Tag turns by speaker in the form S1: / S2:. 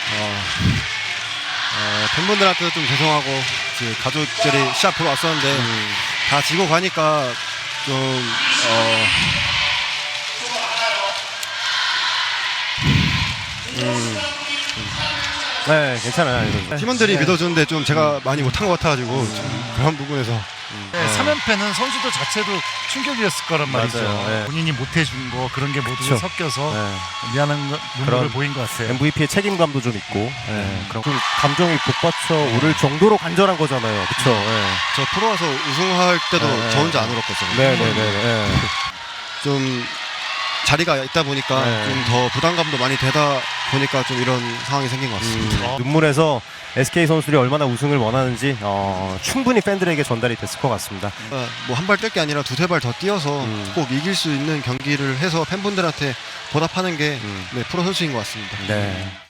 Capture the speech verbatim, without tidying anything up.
S1: 어, 어, 팬분들한테도 좀 죄송하고 이제 가족들이 시합 보러 왔었는데
S2: 음.
S1: 다 지고 가니까 좀 어, 음,
S2: 네, 괜찮아요. 이런 거.
S1: 팀원들이
S3: 네.
S1: 믿어주는데 좀 제가 많이 못한 것 같아가지고 좀 그런 부분에서
S3: 네, 삼 연패는 선수들 자체도 충격이었을 거란 말이죠.
S2: 맞아요. 네.
S3: 본인이 못해준 거 그런 게 모두
S2: 그쵸.
S3: 섞여서
S2: 네.
S3: 미안한 거, 눈물을
S2: 그런
S3: 보인 것 같아요.
S2: 엠브이피의 책임감도 좀 있고, 네. 그런 좀 감정이 북받쳐 오를 정도로 간절한 거잖아요. 그쵸? 네.
S1: 저 프로 와서 우승할 때도
S2: 네.
S1: 저 혼자 안 울었거든요.
S2: 네네네.
S1: 좀 자리가 있다 보니까
S2: 네.
S1: 좀 더 부담감도 많이 되다 보니까 좀 이런 상황이 생긴 것 같습니다.
S2: 음, 눈물에서 에스케이 선수들이 얼마나 우승을 원하는지 어, 충분히 팬들에게 전달이 됐을 것 같습니다.
S1: 뭐 한 발 뛸 게 아니라 두세 발 더 뛰어서
S2: 음.
S1: 꼭 이길 수 있는 경기를 해서 팬분들한테 보답하는 게
S2: 음.
S1: 네, 프로 선수인 것 같습니다.
S2: 네.